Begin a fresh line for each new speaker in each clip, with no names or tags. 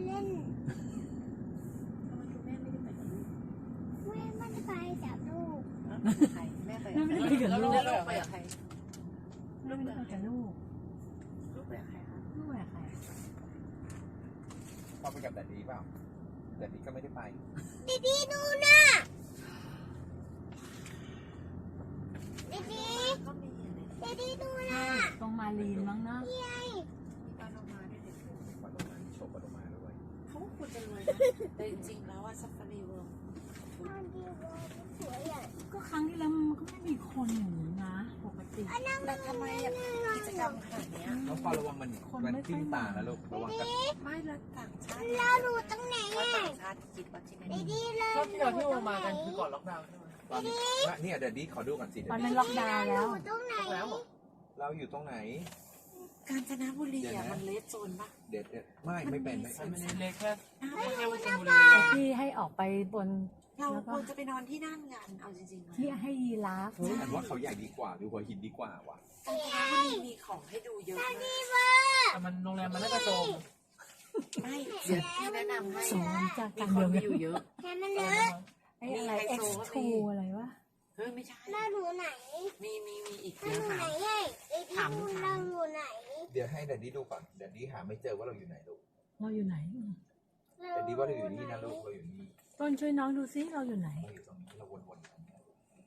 เล่น
ทำไมคุณแม่ไม่ได้ไปกับลูก
แม่ไม่ได้ไปกับลูก
ใครแม่ไป
แม่ไม่ได้ไปกับลูก
แล้วลูกไปกับใคร
ลูกไม่ได้ไปกับลูก
ลูกไปกับใครคะ
ลูกไปกับใคร
พ่อไปกับแดดดี้เปล่าแดดดี้ก็ไม่ได้ไป
ดีดูนะดี
ก็มีอะไร
ดีดูนะ
ตรงมาลีนมั้งนะ
พี่ไอ
มีปลาโลมาด้วยเด็ก
มีปลาโลมาโชว์ปลาโลมาด้วย
เขาก็ควรจะรวยนะแต่จริงๆแล้วอะซัฟฟารีเวิลด์
ตอนดีว่าสวยอ่ะ
ก็ครั้งที่แล้วมันก็ไม่มีคนอย่างนี้นะปกติ
แต่ทำไมอะกิจกรรมขนาดเนี้ย
น้องพอระวังมันทิ่มตานะลูกระวังกัน
ไม่ละต่างชาติ
เราดูตรงไหน
ว่า
อ่ะ
ต่างชาติคิดว่าที่ไหน
ดีเลย
รอบที่เราที่เรามากันคือก่อนล็อกดาวน์ใช่ไหม
ตอนนี้เนี่ยแดดดี้ขอดูก่อนสิ
ตอนนั้นล็อกดาวน์แล้ว
ตรงไหน
แล้วเหรอ
เราอยู่ตรงไหน
กาญจนบุรีอะมันเลสโซนปะ
เด็ดไม่เป็น
มันเล็กแค่
ไม่
แค่
เอา
ว่าช
นะ
ลบุรี
ที่ให้ออกไปบน
เราควรจะไปนอนที่นั่นกันเอาจริงๆนะ
ที่ให้ยีราฟ
เฮ้ยอันว่าเขาใหญ่ดีกว่าดูหัวหินดีกว่าว่ะ
กาญจนบุรีมีของให้ดูเยอะมาก
แต่มันโรงแรมมันน่าจะโจม
ไม่เดี๋ยวพี่แนะนำให้
สอนจาก
มี
การ
คน
เดียว
ไปอยู่เยอะ
แค่มันเลอะ
ไอ้อะไร X2 อะไรวะ
เฮ้ยไม่ใช่
เราดูไหน
มีอีก
เรา
เยอะ
ดู
ค่ะ
ไหนเฮ้ยดีดูเราดูไหน
เดี๋ยวให้แดดดี้ดูก่อนแดดดี้หาไม่เจอว่าเราอยู่ไหนลูก
เราอยู่ไหน
แดดดี้ว่าเราอยู่นี่นะลูกเราอยู่นี่
ต้นช่วยน้องดูซิเราอยู่ไหน
เราอยู่ตรงนี้เราวนๆตรงนี้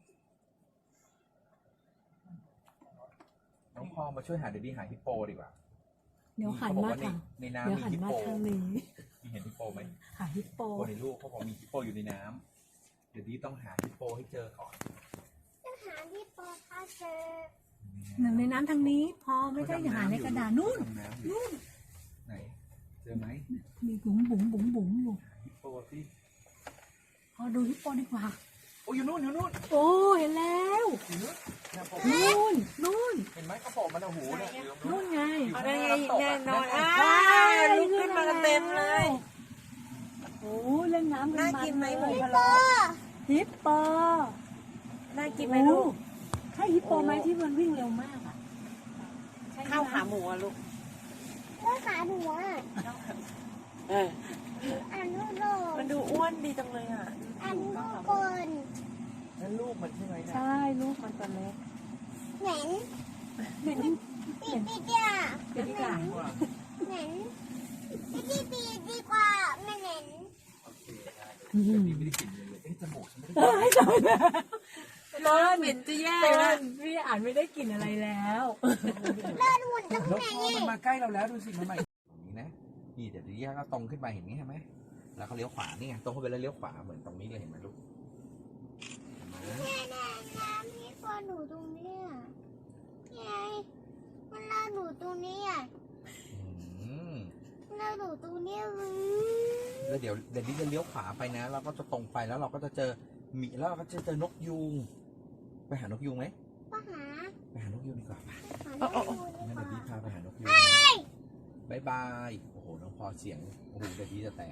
น้องพอมาช่วยหาแดดดี้หาฮิปโปดีกว่า
เดี๋ยวหันมาทาง
ใน
เดี๋ยว
น้ำมี
หัน
ฮิป
มา
โป
ทางนี้
มีเห็นฮิปโปไหม
หาฮิปโป
โปในลูกเขาบอกมีฮิปโปอยู่ในน้ำเดี๋ยวดีต้องหาฮิปโปให้เจอก่อน
จะหาที่ปอพาเจอ
หนึ่งในน้ำทางนี้ พอไม่ได้หาในกระดาษนู่น
ดำำอยู่ไหน เจอไหม
มีบุ๋มอยู่
ฮิปโปสิ
พอดูฮิปโปดีกว่า
โอ้ยอยู่นู่นอยู่นู่น
โอ้เห็นแล้ว
อยู่นู่นเนี่ยโผล่
นู่น
เห็นไหมเขาโผล่มันเอาหูเนี่ยอยู่ตรง
นู่
นู้
น
น
ไง
เอาได้ไงแน่นอน
ลุ
ลุกขึ้นมากันเต็มเลย
โอ้เล่นน้ำกัน
น่ากินไหมหมูพะ
ป
โล้
อ
ฮิปโป
น่ากินไหมลูก
ใช่ฮิปโปไหมที่มันวิ่งเร็วมากอ่ะ
ข้าวขาหมูอะลูก
แล้วขาหัว
เออ
อันลูกโล
มันดูอ้วนดีจังเลยอ่ะ
อันลูกกล
นั่นลูกมันใช่ไหมเนี่ย
ใช่ลูกมันตัวเล็ก
เหม็น
เห็น
ปีจ้า
เป็นที่กลาง
เหม็นปีดีกว่าไม่เหม็น
โอเคได้เลยแต่พี่ไม่ได้กลินเลยเอ๊ะจมูกฉันไม่ได้กลิ่น
ต้น
เหม็นจะแย่
ต้
เลย
นพี่อ่านไม่ได้กลิ่นอะไรแล้ว
เลิศหุ่นตรง
แล้ว
ไหน
พอมันมาใกล้เราแล้วดูสิมันใหม่ตรงนี้นะนี่เดี๋ยวดีก็ตรงขึ้นไปเห็นไหมเห็นไหมแล้วเขาเลี้ยวขวานี่ไงตรงเข้าไปแล้วเลี้ยวขวาเหมือนตรงนี้เลยเห็นไหมลูกเห็นไหม
น้ำที่ปอหนูตรงนี้อ่ะไงมันลาหนูตรงนี้อ่ะ
อืม
ลาหนูตรงนี้
แล้วเดี๋ยวนี้จะเลี้ยวขวาไปนะเราก็จะตรงไปแล้วเราก็จะเจอหมีแล้วเราก็จะเจอนกยูงไปหานกยูงไหม
ปะหา
ไปหานกยูงดีกว่า
หา
ปะ
ลูก
งั้นเดี๋ยวพี่พาไปหานกยูงบายบายโอ้โหน้องพอเสียงโอ้โหเดี๋ยวพี่จะแตก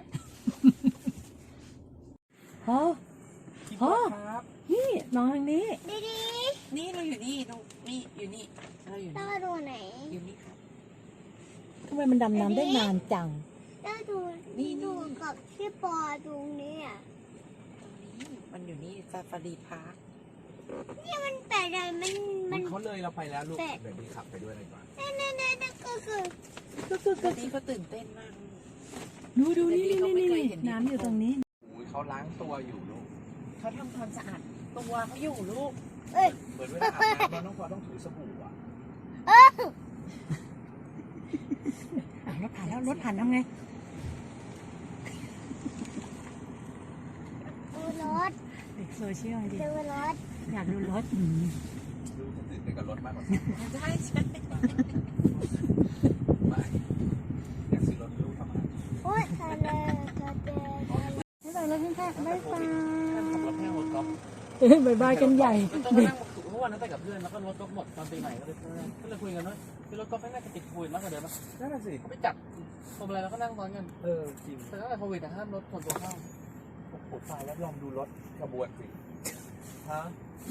โอ้
พี่
โอ้
ครับ
นี่น้องทางนี้
ดี
นี่เราอยู่นี่น้องนี่อยู่นี่เราอยู่
ๆเรา
นี่
ดูไหน
อยู่นี่ครับ
ทำไมมันดำน้ำได้นานจัง
เราดูกับที่ปอตรงนี้อ่ะ
ตรงนี้มันอยู่นี่ซาฟารีพาร์ค
มันแปลกอะไรมัน
เขาเลยเราไปแล้วลูกเดี๋ยวพี่ขับไปด้วยเลยดีกว่า
นั่นก็คือ
ตอนนี้เขาตื่นเต้นมาก
ดูนี่น้ำอยู่ตรงนี้
อุ้ยเขาล้างตัวอยู่ลูก
เขาทำความสะอาดตัวเขาอยู่ลูก
เหมือนเวลาอาบน้ำน้องพอต้องถูสบู่อ่ะ
รถผ่านแล้วรถผ่านทำไง
ดูรถ
เด็กโซเชียลดิ
ดูรถ
อยากดูรถ
ลูกจะตื่นเต้นกับรถมากกว่า
ใช่ใช่
ไม่อยากซื้อรถลูกทำไม
โอ๊ยทะเลทะเล
ไม่ไปแล้วแค่ไม่ไป
ขับรถแค่รถก๊อฟ
บายบายกันใหญ่
ต้องมานั่งทุกวันนั้นไปกับเพื่อนแล้วก็รถก๊อฟหมดตอนปีใหม่ก็เลยคุยกันว่าคือรถก๊อฟไม่น่าจะติดโควิดมากกว่าเดิมนะ
นั่นน่ะสิ
เขาไปจัดทำอะไรแล้วก็นั่งซ้อนกัน
จริง
แต่ตั้งแต่โควิดห้ามรถส่วนตัวเข้า
โอ้โหตายแล้วลองดูรถขบวนสิฮะ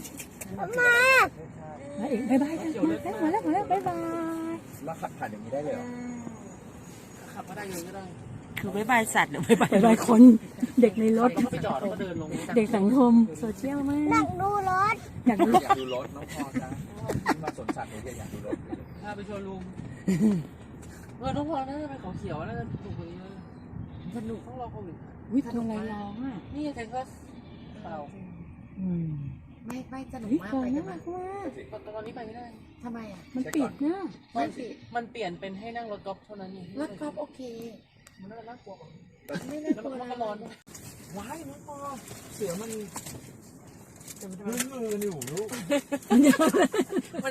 แล้วอีกบายบายกันมาแล้วบายบาย
แล้วขับผ่านอย่างนี้ได้เลยเหรอ
ขับก็ได้เลยก็ได้
คือบ๊ายบายสัตว์หรือบ๊ายบาย
หลายคนเด็กในรถ
ก็ไปจอดแล้วก็เดินลง
เด็กสังคมโซเชียลมา
หนั
ก
กดูรถ
อยากรู้
อยากดูรถน้องพอจ้ะที่มาสวนสัตว์เนี่ยอยากดูรถ
พาไปโชว์รูมน้องพอน่าจะไปเขาเขียวน่าจะถูกกว่านี้สนุกต้องรอโควิด
วิทำอะไรร้องอ่ะ
นี่เทนก็เปล่า
ไม่สนุก
วิ
มาก
เกิ
ไป
น
กัน
มากว่า
ตอนนี้ไปไม่ได้
ทำไมอ่ะ
มันปิดนะ
มันเปลี่ยนเป็นให้นั่งรถกอล์ฟเท่านั้นเอง
รถกอล์ฟโอเค
มันน่ากลัวกว่า
ไม่น่า
แล้ว
กลัว
มันก็ร้อนว้ายน้องพอเสือมัน
มือนี่หูลูก
มัน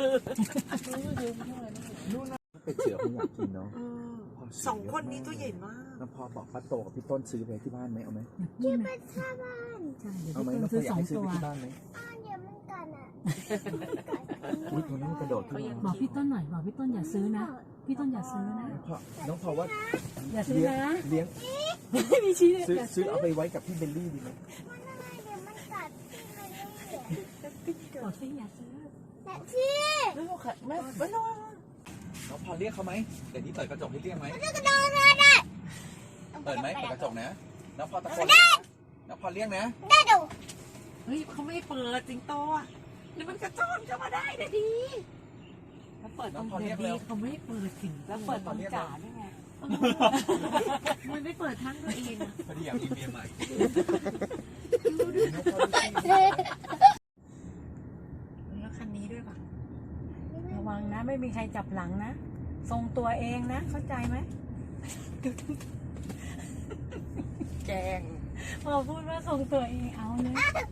เป็ดเสือผมอยากกินเนาะ
สองคนนี้ตัวใหญ่มาก
น้องพอบอกป้าโตกับพี่ต้นซื้อไปที่บ้านไหมเอาไหม
ที่เป็นชาวบ้าน
ใช่เดี๋ยว
เอาไหม
พี่
น้
ต้
อน งพอ
ซื้อ
อยาก
2
ให้ซื้อ
ตัว
ไปที่บ้านไหม
เดี๋ยวมันกันอ่ะ
อุ้ยตัวนี้มันกระโดดขึ้นมา
บอกพี่ต้นหน่อยบอกพี่ต้นอย่าซื้อนะ พี่ต้นอย่าซื้อนะ
น้องพอว่า
อย่าซื้อนะ
เลี้ยง
ไม่มีชี้
ซื้อเอาไปไว้กับพี่เบลลี่ดีไหม
มันอะไรเดี๋ยวมันกัดที่มันเลย
บอกพี่อย่าซื้อ
แต่ที่
ไม่ต้อง
น้องพอเรียกเขาไหมเดี๋ยวนี้เปิดกระจกให้เรียกไหม
จะกระโดดเลยได้
เปิดไหมเปิดกระจกนะน้องพอตะโกนน้องพอเรียกนะ
ได้ดู
เฮ้ยเขาไม่เปิดสิงโตอ่ะนี่มันกระโจนเข้ามาได้เดี๋ยวดีแล้วเปิดตรงเดี๋ยวดีเขาไม่เปิดสิงแล้วเปิดตรงจ่าได้ไงมันไม่เปิดทั้งตัวเองอะ
พอดีอยากมีเมียใหม่
แล้วคันนี้ด้วยป่ะ
ระวังนะไม่มีใครจับหลังนะทรงตัวเองนะเข้าใจไหม
แกง
พอพูดว่าทรงตัวเองเอาเลย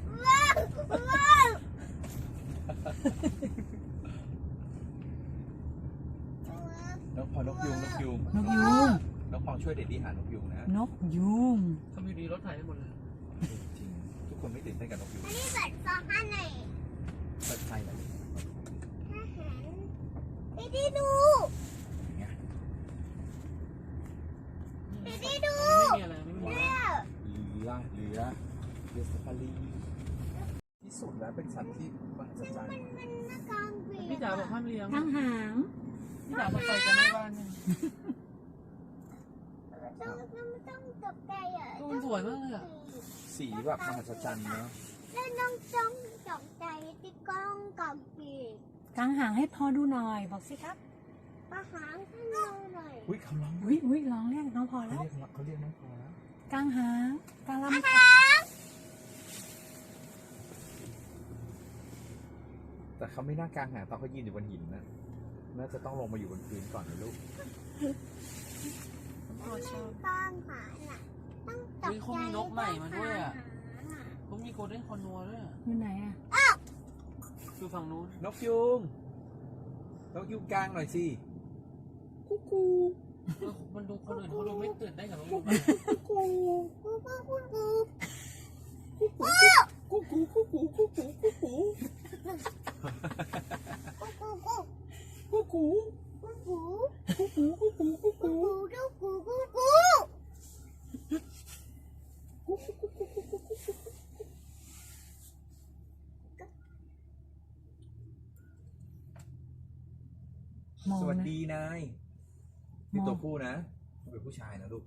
น้องพอนกยูง
นกยูง
น้องพอช่วยเด็ดดีหานกยูงนะ
นกยูง
ทำอยู่ดีรถไถได้หมดเลย
จริงทุกคนไม่ตื่นเต้นกับนกยูง
อันนี้เปิดฟองอันไหน
เปิดไฟหน่อย
ทหารไปดีดู
อย่างเงี้ย
ไม่มีอะไรไม่มีอะไร
เรือสฟารีที่สุดแล้วเป็นสัตว์ที่มหัศจรรย์
มันหน้ากลางปี
พี่จ๋าบอกห้ามเลี้ยง
ทั้งหาง
พี่จ๋าบอกไปกันในบ้านเนี่ย
ต้องตกใจอ่ะ
มันสวยมากเลยอ่ะ
สีแบบมหัศจรรย์เนาะ
แล้วน้องต้องตกใจที่กล้องกับปี
กางหางให้พอดูหน่อยบอกสิครับ
ประหารให้เราหน่อย
อุ้ยเขาร้อง
อุ้ยร้องเรียกน้องพอ
เขา
แล้ว
เรียกน้องพอแล้ว
กางหางกางลำ
แต่เขาไม่น่ากลางหางตอนเขายืนอยู่บนหินนะน่าจะต้องลงมาอยู่บนพื้นก่อนนะลูก
กล้องหาน่ะต้องตก
เฮ้ย
ใจ
เขามีนกใหม่มาด้วยอ่ะ
หาน่ะ
เขามีโกลเด้นคอนัวด้วย
อยู่ไหนอ่ะ
คือฝั่งนู้น
นกยูงกลางหน่อยสิกุ๊กกู
มันดูคนอื่นเขาดูไม่ตื่นได้กับน้องยู
กูกูกูกู
กุ๊กกูกุ๊กกูกุ๊กกูกุ๊กกู
กูกู
กุ๊กกู
กูกู
กุ๊กกูกุ๊กกูกุ๊กกู
กูกูกูกู
มอง
สวัส
นะ
ดีนายนี่ตัวผู้นะเป็นผู้ชายนะลูก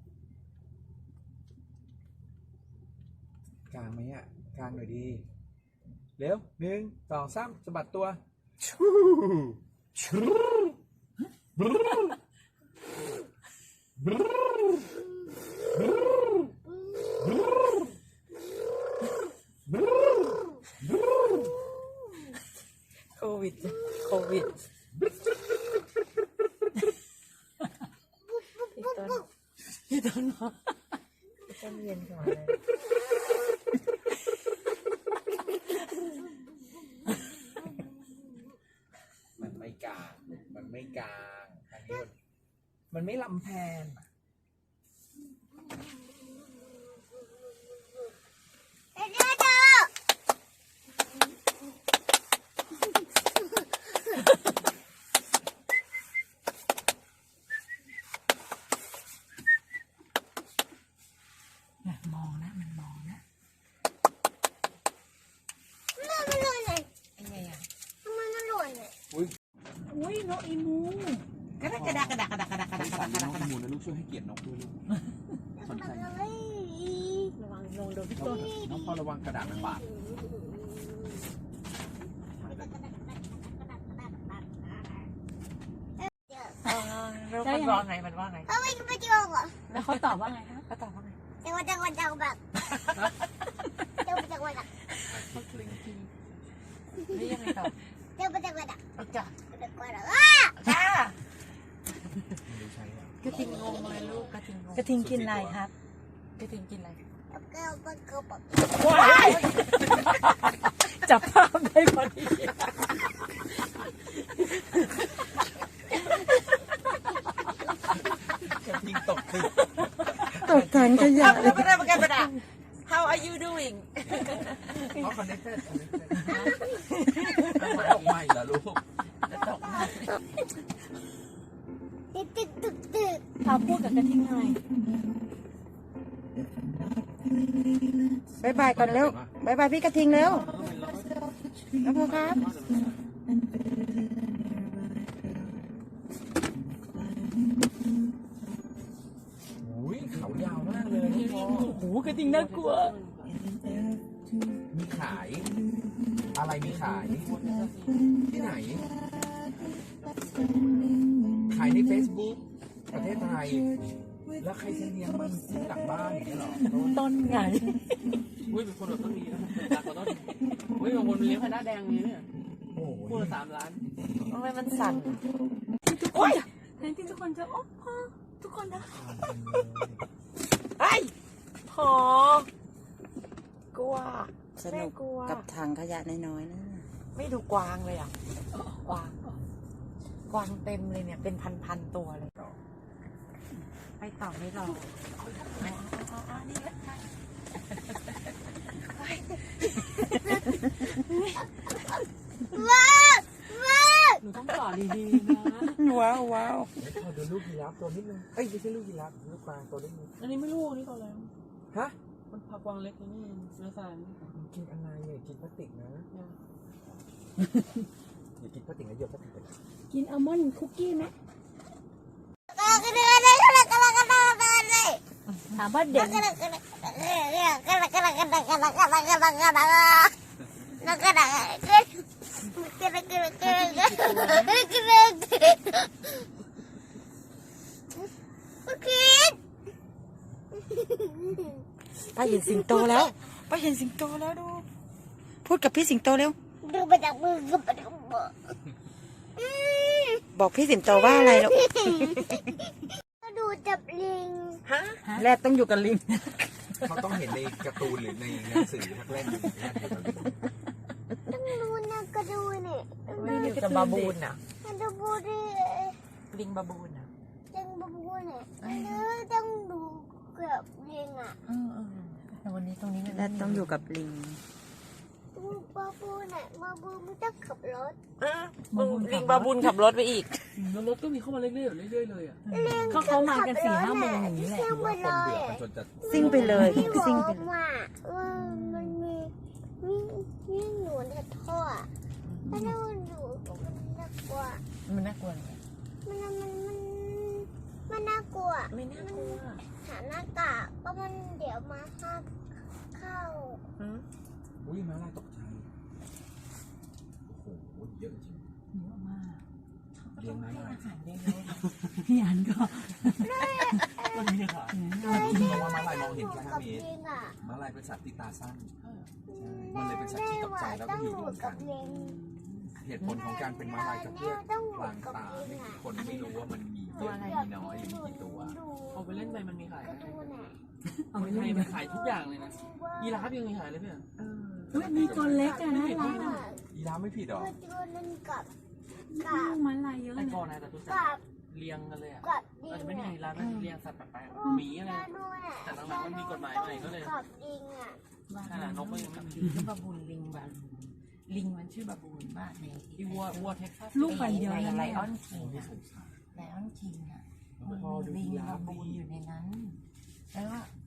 กลางไหมอ่ะกลางหน่อยดีเร็ว1 2 3สะบัดตัว
โควิดพี่ต้นบอกต้นเย็นก่อนเลย
มันไม่กลางอันนี้มันไม่ลำแพน
มองนะมันมองนะ
มันหล่นเลย
ยังไงอ่ะ
ทำไมมันหล่นเลย
อุ้ยนกอีมู
กระดักระดาษ
หมูนะลูกช่วยให้เกียรตินกด้วยลูกสนใจ
ระวังลงโดนพี่ต้น
น้องพ่อระวังกระดาษมันบาด
มันว่าไงมันว่าไง
เขาไม่ไปจงเหรอ
แล้วเขาตอบว่าไงคะ
ก็ตอบว่าไง
จังหวัดแบบจังหวัดอ่ะ
นี่ยังไงตอบ
จังหวัดอ่ะ
จ้ะ
จังหวัดอ่ะ
จ้า
ไม่ใช่ครับ
กระทิงงงเลยลูกกระทิงงง
กระทิงกินอะไรครับ
กระทิงกินอะไร
ว้ายจับภาพได้พอดี
กระทิงตกตึก
ตกถังขยะ
แล้วไม่ได้ประกันประดา How are you doing
เขา connected หมายออกใหม่เหรอลูก
ตึก
เอาพูดกับกระทิงหน่อยบายบายก่อนเร็วบายบายพี่กระทิงเร็วน้องพ่อครับ
อุ้ยเขายาวมากเลยน้องพ่อ
โอ้โหกระทิงน่ากลัว
มีขาย อะไรมีขาย ที่ไหน ขายใน Facebook ประเทศไทย แล้วใครจะเลี้ยงมันที่หลังบ้านอย่างนี้เหรอ
ต้นไง
อุ้ยเป็นคนแบบต้องมีนะรักก็ต้องอุ้ยบางคนเลี้ยงพนักแดงนี้เนี่ย
โอ้
คู่
ย
ละ3 ล้าน
ทำไมมันสั่น
โอ้ยแทนที่ทุกคนจะโอ้พ่อทุกคนนะ
ไอ้พอกลัว
สนุกกับถังขยะน้อยๆนะ
ไม่ดูกวางเลยอ่ะกวางกวางเต็มเลยเนี่ยเป็นพันตัวเลย ไปต่อไม่รอนี่แหละ
หนูต้องต่อดีๆนะ
ว้าวว้าว
ขอดูลูกยีราฟตัวนิดนึงเอ้ยไม่ใช่ลูกยีราฟลูกกวางตัวนิดนึง
อันนี้ไม่รู้อันนี้ต่อแล้ว
ฮะ
มันผักกวางเล็กนี่เนื้อสาร
กินอะไรเนี่ยกินพลาสติกนะอย่ากินพลาสติกนะโยนพลาสติกไป
กินอัลมอนด์คุกกี้ไหมถามว่าเด็กป้าเห็นสิงโตแล้วป้าเห็นสิงโตแล้วดูพูดกับพี่สิงโตเร็วบอกพี่สิงโตว่าอะไรลูก
ดูจับลิง
ฮะ
แรกต้องอยู่กับลิง
เขาต้องเห็นในการ์ตูนหรือในหนังสือทักเล่นอยู่แรกอยู่กับลิง
ต้องดูนะก็ดูนี่
ไม่อยู่กับบาบูนอ่ะ
มันจะพูดดิ
ลิงบาบูนอ่ะ
จังบาบูเนี่ยต้องดูกับลิงอ่ะ
แต่วันนี้ตรงนี้
แรกต้องอยู่กับลิง
ดูบาบูเนี่ยบาบูไม่ต้องขับรถ
ลิงบาบูนขับรถไปอีก
แล้วรถก็มีเข้ามาเรื่อยๆเลยอ่ะ
เขามากัน4-5 โมงอย่างนี้แหละ
เที่ยว
ว่า
มา
คน
เล
เดือย ดมันจนจะ
ซิ่งไปเลย
ที่บอ
ซิ่ง
ก
ไปเลย
ว่ามันมีหนูในท่อถ้าดูหนูมันน่ากลัว
มันน่ากลัวเลย
มันน่ากลัว
ไม่น่ากลัว
หาหน้ากากก็มันเดี๋ยวมาเข้า
อุ้ยม้าลายตกใจโอ้โหเยอะจริง
เยอะมาก
เลี้ยงม้าลาย
พี่อันก็
มันมีขาย
เพราะว่าม้าลายมองเห็นแค่
กับ
5 เมตร
ลิงอ่ะ
ม้าลายเป็นสัตว์ที่ตาสั้นมันเลยเป็นสัตว์ที่ตกใจแล้วก็อยู่รวมกัน เหตุผลของการเป็นม้าลายก็เพื่อพลางตาให้คนไม่รู้ว่ามันมีเยอะมีน้อยหรือมีกี่ตัว
เอาไปเล่นไปมันมีขาย
กระดูน่ะ
เอา
ค
ไป
นไท
เล่
ย
น
มันขายทุกอย่างเลยนะยีราฟยังมีขายเลยเพื่อน
เฮ้ยมีตัวเล็กอะนะร้านอะ
ยีราฟไม่ผิดหรอ
ตัวนึงกับ
มันลายเยอะ
แต่
นะ
ก่อนนะแต่ตัวสัต
กับ
ว์เลี้ยงกันเลยอ่ะ
กับลิ
อาจ
ง
จะไม่ได้
อ่ะ
ยีราฟเลี้ยงสัตว์แปลกๆหมีอะไร แต่หลังๆมันมีกฎหมายใหม่ก็เลย
กับลิงอ่ะ
ขนาดนกก็ยังไม่มี
ลิงบาบูนลิงบาบูนลิงมันชื่อบาบูนมากใน
ที่วัวเท็กซัส
ลูกมันเยอะ
ใน
นะ
ไล
เนี่ย
ออนคิงอะไลออนคิงอะมันมีลิงบาบูนอยู่ในนั้น แล้วก็